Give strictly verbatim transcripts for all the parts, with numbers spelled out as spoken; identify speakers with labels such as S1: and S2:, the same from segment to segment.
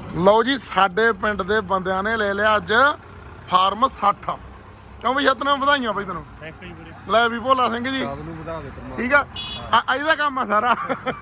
S1: ਲਓ ਜੀ ਸਾਡੇ ਪਿੰਡ ਦੇ ਬੰਦਿਆਂ ਨੇ ਲੈ ਲਿਆ ਅੱਜ ਫਾਰਮ ਸੱਠ। ਕਿਉਂ ਬਈ ਸਤਨਾਮ ਵਧਾਈਆਂ ਬਈ ਤੈਨੂੰ।
S2: ਥੈਂਕ ਯੂ ਵੀਰੇ।
S1: ਲੈ ਵੀ ਭੋਲਾ ਸਿੰਘ ਜੀ
S3: ਸਭ ਨੂੰ ਵਧਾ ਦੇ ਪਰਮਾਤਮਾ।
S1: ਠੀਕ ਆ ਆ ਇਹਦਾ ਕੰਮ ਆ ਸਾਰਾ।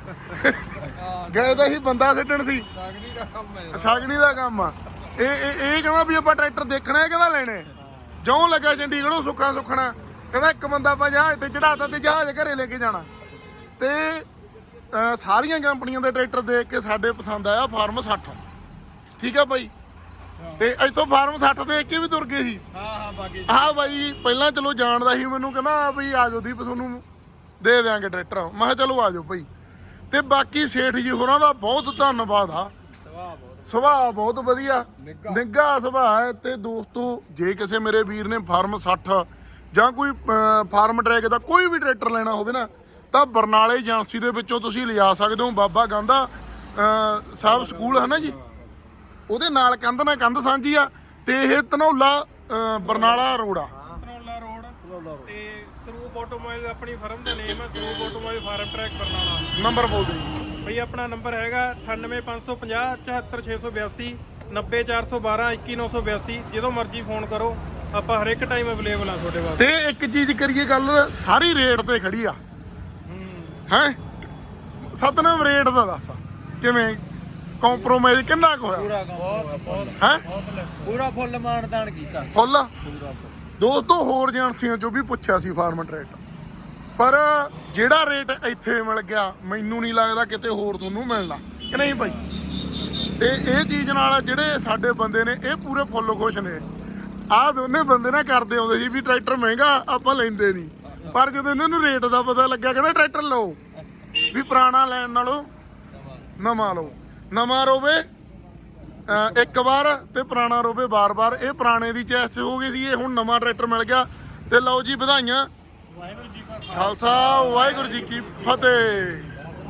S1: ਗਏ ਤਾਂ ਹੀ ਬੰਦਾ ਛੱਡਣ ਸੀ,
S3: ਸਾਗਣੀ ਦਾ ਕੰਮ ਹੈ,
S1: ਸਾਗਣੀ ਦਾ ਕੰਮ ਆ ਇਹ। ਇਹ ਇਹ ਕਹਿੰਦਾ ਵੀ ਆਪਾਂ ਟਰੈਕਟਰ ਦੇਖਣਾ ਹੈ, ਕਹਿੰਦਾ ਲੈਣੇ ਜਿਉਂ ਲੱਗਾ ਚੰਡੀਗੜ੍ਹੋਂ ਸੁੱਖਾ ਸੁੱਖਣਾ। ਕਹਿੰਦਾ ਇੱਕ ਬੰਦਾ ਆਪਾਂ ਜਹਾਜ਼ ਤੇ ਚੜਾਤਾ ਤੇ ਜਹਾਜ਼ ਘਰੇ ਲੈ ਕੇ ਜਾਣਾ। ਤੇ ਅਹ ਸਾਰੀਆਂ ਕੰਪਨੀਆਂ ਦੇ ਟਰੈਕਟਰ ਦੇਖ ਕੇ ਸਾਡੇ ਪਸੰਦ ਆਇਆ ਫਾਰਮ ਸੱਠ। ਠੀਕ ਆ ਬਾਈ, ਤੇ ਇੱਥੋਂ ਫਾਰਮ ਸੱਠ ਦੇਖ ਕੇ ਵੀ ਤੁਰ ਗਏ ਸੀ।
S3: ਹਾਂ ਹਾਂ ਬਾਕੀ
S1: ਆਹ ਬਾਈ ਪਹਿਲਾਂ ਚਲੋ ਜਾਣਦਾ ਸੀ ਮੈਨੂੰ, ਕਹਿੰਦਾ ਬਈ ਆ ਜਾਓ ਦੀਪ ਤੁਹਾਨੂੰ ਦੇ ਦਿਆਂਗੇ ਟਰੈਕਟਰ। ਮੈਂ ਕਿਹਾ ਚਲੋ ਆ ਜਾਓ ਭਾਈ। ਤੇ ਬਾਕੀ ਸੇਠ ਜੀ ਹੋਰਾਂ ਦਾ ਬਹੁਤ ਧੰਨਵਾਦ ਆ,
S3: ਸੁਭਾਅ ਬਹੁਤ
S1: ਸੁਭਾਅ ਬਹੁਤ ਵਧੀਆ,
S3: ਨਿੱਘਾ।
S1: ਨਿੱਘਾ ਸੁਭਾਅ ਹੈ। ਤੇ ਦੋਸਤੋ ਜੇ ਕਿਸੇ ਮੇਰੇ ਵੀਰ ਨੇ ਫਾਰਮ ਸੱਠ ਜਾਂ ਕੋਈ ਅਹ, ਫਾਰਮ ਟਰੈਕ ਦਾ ਕੋਈ ਵੀ ਟਰੈਕਟਰ ਲੈਣਾ ਹੋਵੇ ਨਾ ਤਾਂ ਬਰਨਾਲੇ ਏਜੰਸੀ ਦੇ ਵਿੱਚੋਂ ਤੁਸੀਂ ਲਿਜਾ ਸਕਦੇ ਹੋ। ਬਾਬਾ ਗਾਂਧਾ ਅਹ, ਸਾਹਿਬ ਸਕੂਲ ਹੈ ਨਾ ਜੀ, ਉਹਦੇ ਨਾਲ ਕੰਧ ਨਾਲ ਕੰਧ ਸਾਂਝੀ ਆ। ਤੇ ਇਹ ਧਨੌਲਾ ਅਹ, ਬਰਨਾਲਾ ਰੋਡ ਆ।
S2: ਧਨੌਲਾ ਰੋਡ ਤੇ ਸਰੂਪ ਆਟੋਮੋਬਾਈਲ ਆਪਣੀ ਫਰਮ ਦਾ ਨੇਮ ਹੈ, Saroop automobile Farmtrac Barnala.
S1: Number ਬੋਲ ਦਿਓ
S2: ਬਈ ਆਪਣਾ ਨੰਬਰ ਹੈਗਾ ਅਠਾਨਵੇਂ ਪੰਜ ਸੌ ਪੰਜਾਹ ਚੁਹੱਤਰ ਛੇ ਸੌ ਬਿਆਸੀ ਨੱਬੇ ਚਾਰ ਸੌ ਬਾਰਾਂ ਇੱਕੀ ਨੌ ਸੌ ਬਿਆਸੀ। ਜਦੋਂ ਮਰਜ਼ੀ ਫੋਨ ਕਰੋ, ਆਪਾਂ ਹਰ ਇੱਕ ਟਾਈਮ ਅਵੇਲੇਬਲ ਆ ਤੁਹਾਡੇ ਵਾਸਤੇ।
S1: ਤੇ ਇੱਕ ਚੀਜ਼ ਕਰੀਏ ਗੱਲ, ਸਾਰੀ ਰੇਟ ਤੇ ਖੜੀ ਆ ਹੈ। ਸਤਨਾਮ ਰੇਟ ਦਾ ਦੱਸ ਕਿਵੇਂ ਕੰਪਰੋਮਾਈਜ਼ ਕਿੰਨਾ ਕੁ ਹੋਇਆ?
S3: ਪੂਰਾ ਕੰਮ
S2: ਬਹੁਤ ਬਹੁਤ
S1: ਹੈ
S2: ਬਹੁਤ ਲੈਸ।
S3: ਪੂਰਾ ਫੁੱਲ ਮਾਨਦਾਨ ਕੀਤਾ
S1: ਫੁੱਲ।
S3: ਪੂਰਾ ਫੁੱਲ।
S1: ਦੋਸਤੋ ਹੋਰ ਏਜੰਸੀਆਂ ਚੋਂ ਵੀ ਪੁੱਛਿਆ ਸੀ ਫਾਰਮ ਰੇਟ, ਪਰ ਜਿਹੜਾ ਰੇਟ ਇੱਥੇ ਮਿਲ ਗਿਆ ਮੈਨੂੰ ਨਹੀਂ ਲੱਗਦਾ ਕਿਤੇ ਹੋਰ ਤੁਹਾਨੂੰ ਮਿਲਣਾ ਕਿ ਨਹੀਂ ਭਾਈ। ਤੇ ਇਹ ਚੀਜ਼ ਨਾਲ ਜਿਹੜੇ ਸਾਡੇ ਬੰਦੇ ਨੇ ਇਹ ਪੂਰੇ ਫੁੱਲ ਖੁਸ਼ ਨੇ। ਆਹ ਦੋਨੇ ਬੰਦੇ ਨਾ ਕਰਦੇ ਆਉਂਦੇ ਸੀ ਵੀ ਟਰੈਕਟਰ ਮਹਿੰਗਾ ਆਪਾਂ ਲੈਂਦੇ ਨਹੀਂ, ਪਰ ਜਦੋਂ ਇਹਨਾਂ ਨੂੰ ਰੇਟ ਦਾ ਪਤਾ ਲੱਗਿਆ ਕਹਿੰਦੇ ਟਰੈਕਟਰ ਲਓ ਵੀ ਪੁਰਾਣਾ ਲੈਣ ਨਾਲੋਂ ਨਵਾਂ ਲਓ। ਨਵਾਂ ਰੋਵੇ ਅਹ ਇੱਕ ਵਾਰ ਤੇ ਪੁਰਾਣਾ ਰੋਵੇ ਬਾਰ-ਬਾਰ। ਇਹ ਪੁਰਾਣੇ ਦੀ ਚੈਸ ਹੋ ਗਈ ਸੀ, ਇਹ ਹੁਣ ਨਵਾਂ ਟਰੈਕਟਰ ਮਿਲ ਗਿਆ। ਤੇ ਲਓ ਜੀ ਵਧਾਈਆਂ।
S2: ਵਾਹਿਗੁਰੂ ਜੀ ਕਾ
S1: ਖਾਲਸਾ ਵਾਹਿਗੁਰੂ ਜੀ ਕੀ ਫਤਿਹ।